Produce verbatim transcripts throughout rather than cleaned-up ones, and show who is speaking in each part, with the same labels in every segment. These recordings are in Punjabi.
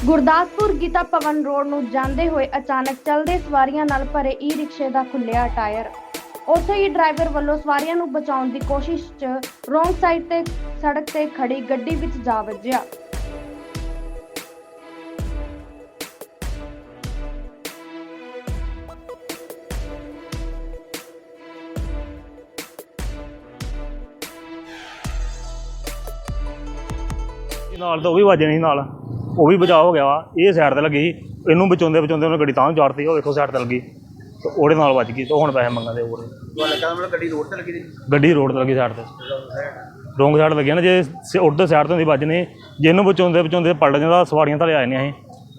Speaker 1: ਗੁਰਦਾਸਪੁਰ ਗੀਤਾ ਭਵਨ ਰੋਡ ਨੂੰ ਜਾਂਦੇ ਹੋਏ ਅਚਾਨਕ ਚੱਲਦੇ ਸਵਾਰੀਆਂ ਨਾਲ ਭਰੇ ਈ ਰਿਕਸ਼ੇ ਦਾ ਖੁੱਲਿਆ ਟਾਇਰ। ਉੱਥੇ ਹੀ ਡਰਾਈਵਰ ਵੱਲੋਂ ਸਵਾਰੀਆਂ ਨੂੰ ਬਚਾਉਣ ਦੀ ਕੋਸ਼ਿਸ਼ 'ਚ ਰੋਂਗ ਸਾਈਡ ਤੇ ਸੜਕ ਤੇ ਖੜੀ ਗੱਡੀ ਵਿੱਚ ਜਾ ਵੱਜਿਆ।
Speaker 2: ਨਾਲ ਤਾਂ ਉਹ ਵੀ ਵੱਜ ਨਹੀਂ, ਨਾਲ ਉਹ ਵੀ ਬਚਾਅ ਹੋ ਗਿਆ ਵਾ। ਇਹ ਸਾਈਡ ਤੇ ਲੱਗੀ, ਇਹਨੂੰ ਬਚਾਉਂਦੇ ਬਚਾਉਂਦੇ ਉਹਨੇ ਗੱਡੀ ਤਾਂ ਚਾੜਤੀ। ਉਹ ਵੇਖੋ ਸਾਈਡ ਤੇ ਲੱਗੀ ਤੇ ਉਹਦੇ ਨਾਲ ਵੱਜ ਗਈ ਤੇ ਹੁਣ ਪੈਸੇ ਮੰਗਦੇ ਹੋਰ।
Speaker 3: ਗੱਡੀ ਰੋਡ ਤੇ ਲੱਗੀ
Speaker 2: ਗੱਡੀ ਰੋਡ ਤੇ ਲੱਗੀ, ਸਾਈਡ ਤੇ ਰੋਂਗ ਸਾਈਡ ਲੱਗੀ ਨਾ। ਜੇ ਉੱਧਰ ਸਾਈਡ ਤੋਂ ਦੀ ਵੱਜਣੀ, ਜੇ ਇਹਨੂੰ ਬਚਾਉਂਦੇ ਬਚਾਉਂਦੇ ਪਲਟ ਜਾਂਦਾ, ਸਵਾਰੀਆਂ ਥੱਲੇ ਆ ਜਾਂਦੀਆਂ ਸੀ।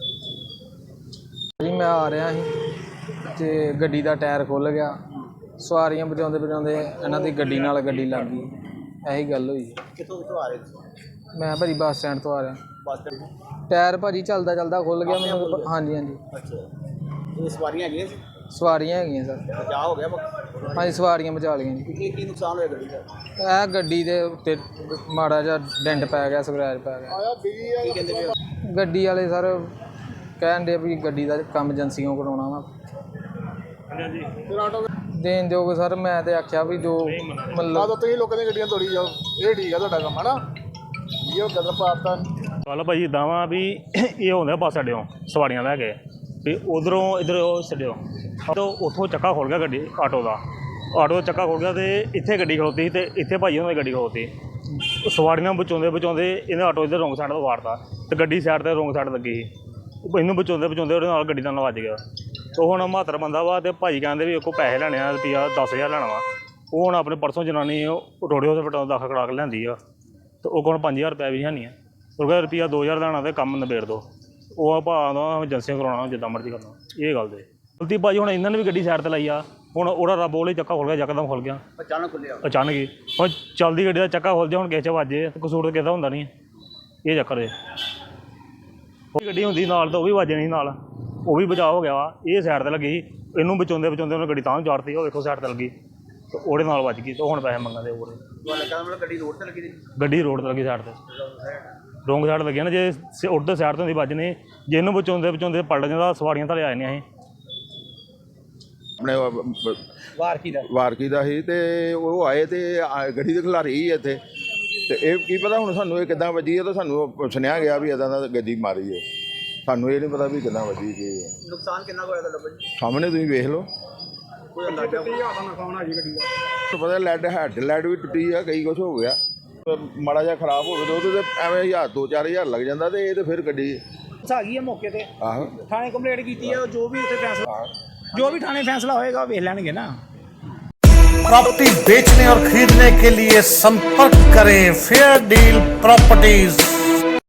Speaker 4: ਜੀ ਮੈਂ ਆ ਰਿਹਾ ਸੀ ਤੇ ਗੱਡੀ ਦਾ ਟਾਇਰ ਖੁੱਲ ਗਿਆ। ਸਵਾਰੀਆਂ ਬਚਾਉਂਦੇ ਬਚਾਉਂਦੇ ਇਹਨਾਂ ਦੀ ਗੱਡੀ ਨਾਲ ਗੱਡੀ ਲੱਗ ਗਈ। ਇਹੀ ਗੱਲ ਹੋਈ।
Speaker 3: ਕਿੱਥੋਂ ਕਿੱਥੋਂ ਆ ਰਹੇ
Speaker 4: ਮੈਂ ਭਾਜੀ ਬੱਸ ਸਟੈਂਡ ਤੋਂ ਆ ਰਿਹਾ।
Speaker 3: ਬੱਸ
Speaker 4: ਟਾਇਰ ਭਾਜੀ ਚੱਲਦਾ ਚੱਲਦਾ ਖੁੱਲ ਗਿਆ ਮੈਨੂੰ। ਹਾਂਜੀ ਹਾਂਜੀ
Speaker 3: ਅੱਛਾ, ਇਹ ਸਵਾਰੀਆਂ ਹੈਗੀਆਂ ਸੀ?
Speaker 4: ਸਵਾਰੀਆਂ ਹੈਗੀਆਂ ਸਰ।
Speaker 3: ਬਚਾਅ ਹੋ ਗਿਆ?
Speaker 4: ਹਾਂਜੀ ਸਵਾਰੀਆਂ ਬਚਾ ਲਈਆਂ ਜੀ।
Speaker 3: ਕੀ ਕੀ ਨੁਕਸਾਨ ਹੋਇਆ ਗੱਡੀ ਦਾ?
Speaker 4: ਇਹ ਗੱਡੀ ਦੇ ਉੱਤੇ ਮਾੜਾ ਜਿਹਾ ਡੈਂਟ ਪੈ ਗਿਆ, ਸਕ੍ਰੈਚ ਪੈ ਗਿਆ।
Speaker 3: ਕੀ ਕਹਿੰਦੇ ਪਏ?
Speaker 4: ਗੱਡੀ ਵਾਲੇ ਸਰ ਕਹਿਣ ਦੇ ਵੀ ਗੱਡੀ ਦਾ ਕੰਮ ਏਜੰਸੀਆਂ ਕਰਾਉਣਾ ਵਾ। ਦੇਣ ਦਿਓਗੇ ਸਰ? ਮੈਂ ਤੇ ਆਖਿਆ ਵੀ ਜੋ ਮਤਲਬ
Speaker 5: ਤੁਸੀਂ ਲੋਕਾਂ ਦੀਆਂ ਗੱਡੀਆਂ ਤੋੜੀ ਜਾਓ, ਇਹ ਠੀਕ ਆ ਤੁਹਾਡਾ ਕੰਮ ਹੈ ਨਾ। ਇਹ ਗਦਰ ਪਾਤਾ
Speaker 2: ਚੱਲ ਭਾਜੀ ਇੱਦਾਂ ਵਾ ਵੀ ਇਹ ਹੁੰਦਾ ਬੱਸ ਅੱਡਿਓਂ ਸਵਾਰੀਆਂ ਲੈ ਕੇ ਵੀ ਉਧਰੋਂ ਇੱਧਰ ਉਹ ਛੱਡਿਓ ਤਾਂ ਉੱਥੋਂ ਚੱਕਾ ਖੁੱਲ ਗਿਆ ਗੱਡੀ ਆਟੋ ਦਾ। ਆਟੋ ਦਾ ਚੱਕਾ ਖੁੱਲ ਗਿਆ ਅਤੇ ਇੱਥੇ ਗੱਡੀ ਖਲੋਤੀ ਅਤੇ ਇੱਥੇ ਭਾਜੀ ਉਹਨਾਂ ਦੀ ਗੱਡੀ ਖਲੋਤੀ। ਸਵਾਰੀਆਂ ਬਚਾਉਂਦੇ ਬਚਾਉਂਦੇ ਇਹਨੇ ਆਟੋ ਇੱਧਰ ਰੋਂਗ ਸਾਈਡ ਤੋਂ ਵਾਰਤਾ ਅਤੇ ਗੱਡੀ ਸਾਈਡ 'ਤੇ ਰੋਂਗ ਸਾਈਡ ਲੱਗੀ ਸੀ। ਇਹਨੂੰ ਬਚਾਉਂਦੇ ਬਚਾਉਂਦੇ ਉਹਦੇ ਨਾਲ ਗੱਡੀ ਨਾਲ ਵੱਜ ਗਿਆ। ਉਹ ਹੁਣ ਬਹੱਤਰ ਬੰਦਾ ਵਾ ਅਤੇ ਭਾਜੀ ਕਹਿੰਦੇ ਵੀ ਉਹ ਪੈਸੇ ਲੈਣੇ ਆ, ਰੁਪਈਆ ਦਸ ਹਜ਼ਾਰ ਲੈਣਾ ਵਾ। ਉਹ ਹੁਣ ਆਪਣੇ ਪਰਸੋਂ ਜਨਾਨੀ ਰੋੜੇ ਹਸਪਤਾਲ ਦਾਖਲ ਕਰਾ ਕੇ ਲਿਆਂਦੀ ਆ ਅਤੇ ਉਹ ਕੋਲ ਪੰਜ ਹਜ਼ਾਰ ਰੁਪਇਆ ਵੀ ਹੈ ਨਹੀਂ ਆ। ਉਹ ਕਹਿੰਦਾ ਰੁਪਈਆ ਦੋ ਹਜ਼ਾਰ ਲੈਣਾ ਅਤੇ ਕੰਮ ਨਿਬੇੜ ਦਿਓ। ਉਹ ਭਾਅ ਦਾ ਏਜੰਸੀਆਂ ਕਰਾਉਣਾ ਜਿੱਦਾਂ ਮਰਜ਼ੀ ਕਰਨਾ। ਇਹ ਗੱਲ ਦੇ ਗਲਤੀ ਭਾਜੀ ਹੁਣ ਇਹਨਾਂ ਨੇ ਵੀ ਗੱਡੀ ਸਾਈਡ 'ਤੇ ਲਾਈ ਆ। ਹੁਣ ਉਹਦਾ ਰੱਬ ਉਹਲੇ ਚੱਕਾ ਖੁੱਲ ਗਿਆ, ਯਕਦਮ ਖੁੱਲ ਗਿਆ
Speaker 3: ਅਚਾਨਕ ਖੁੱਲਿਆ
Speaker 2: ਅਚਾਨਕ ਹੀ। ਹੁਣ ਚੱਲਦੀ ਗੱਡੀ ਦਾ ਚੱਕਾ ਖੁੱਲ ਜਾ, ਹੁਣ ਕਿਸੇ 'ਚ ਵੱਜੇ ਤਾਂ ਕਸੂਰ ਤਾਂ ਕਿਸੇ ਦਾ ਹੁੰਦਾ ਨਹੀਂ। ਇਹ ਚੱਕਰ ਹੈ। ਉਹ ਗੱਡੀ ਹੁੰਦੀ ਨਾਲ ਤਾਂ ਉਹ ਵੀ ਵੱਜ ਨਹੀਂ, ਨਾਲ ਉਹ ਵੀ ਬਚਾਅ ਹੋ ਗਿਆ ਵਾ। ਇਹ ਸਾਈਡ 'ਤੇ ਲੱਗੀ, ਇਹਨੂੰ ਬਚਾਉਂਦੇ ਬਚਾਉਂਦੇ ਉਹਨੇ ਗੱਡੀ ਤਾਂ ਚਾੜਤੀ। ਉਹ ਵੇਖੋ ਸਾਈਡ 'ਤੇ ਲੱਗੀ ਤੇ ਉਹਦੇ ਨਾਲ ਵੱਜ ਗਈ ਤੇ ਹੁਣ ਪੈਸੇ ਮੰਗਦੇ ਹੋਰ।
Speaker 3: ਗੱਡੀ ਰੋਡ ਤੇ ਲੱਗੀ
Speaker 2: ਗੱਡੀ ਰੋਡ ਤੇ ਲੱਗੀ, ਸਾਈਡ 'ਤੇ ਰੋਂਗ ਸਾਈਡ ਲੱਗੀ ਨਾ। ਜੇ ਉੱਧਰ ਸਾਈਡ ਤੋਂ ਦੀ ਵੱਜਣੀ, ਜੇ ਇਹਨੂੰ ਬਚਾਉਂਦੇ ਬਚਾਉਂਦੇ ਪਲਟ ਜਾਂਦਾ, ਸਵਾਰੀਆਂ ਥੱਲੇ ਆ ਜਾਂਦੀਆਂ ਸੀ।
Speaker 5: ਆਪਣੇ
Speaker 3: ਵਾਰਕੀ ਦਾ
Speaker 5: ਵਾਰਕੀ ਦਾ ਸੀ ਤੇ ਉਹ ਆਏ ਤੇ ਗੱਡੀ ਦੇ ਖਿਲਾਰੀ ਸੀ ਇੱਥੇ ਤੇ ਇਹ ਕੀ ਪਤਾ ਹੁਣ ਸਾਨੂੰ ਇਹ ਕਿੱਦਾਂ ਵੱਜੀ ਹੈ। ਤਾਂ ਸਾਨੂੰ ਸੁਣਿਆ ਗਿਆ ਵੀ ਇੱਦਾਂ ਦਾ ਗੱਡੀ ਮਾਰੀ ਹੈ। ਸਾਨੂੰ ਇਹ ਨਹੀਂ ਪਤਾ ਵੀ ਕਿੱਦਾਂ ਵੱਜੀ ਕੀ ਹੈ।
Speaker 3: ਨੁਕਸਾਨ ਕਿੰਨਾ ਹੋਇਆ ਤੁਹਾਡਾ ਭਾਜੀ?
Speaker 5: ਸਾਹਮਣੇ ਤੁਸੀਂ ਵੇਖ ਲਓ।
Speaker 3: ਕੋਈ ਅੰਦਾਜ਼ਾ?
Speaker 5: ਪਤਾ ਲੈਡ ਹੈਡ ਲੈਡ ਵੀ ਟੁੱਟੀ ਆ, ਕਈ ਕੁਛ ਹੋ ਗਿਆ। ਮਾੜਾ ਜਿਹਾ ਖਰਾਬ ਹੋਵੇ ਤਾਂ ਉਹਦੇ ਤੇ ਐਵੇਂ ਹਜ਼ਾਰ ਦੋ ਚਾਰ ਹਜ਼ਾਰ ਲੱਗ ਜਾਂਦਾ ਤੇ ਇਹ ਤੇ ਫਿਰ ਗੱਡੀ
Speaker 6: ਆ ਗਈ ਹੈ ਮੌਕੇ ਤੇ।
Speaker 5: ਆਹੋ
Speaker 6: ਥਾਣੇ ਕੰਪਲੇਂਟ ਕੀਤੀ ਹੈ। ਜੋ ਵੀ ਉੱਥੇ ਫੈਸਲਾ ਜੋ भी थाने फैसला होएगा ਵੇਖ ਲੈਣਗੇ ना।
Speaker 7: प्रॉपर्टी बेचने और खरीदने के लिए संपर्क करें फेयर डील प्रॉपर्टीज।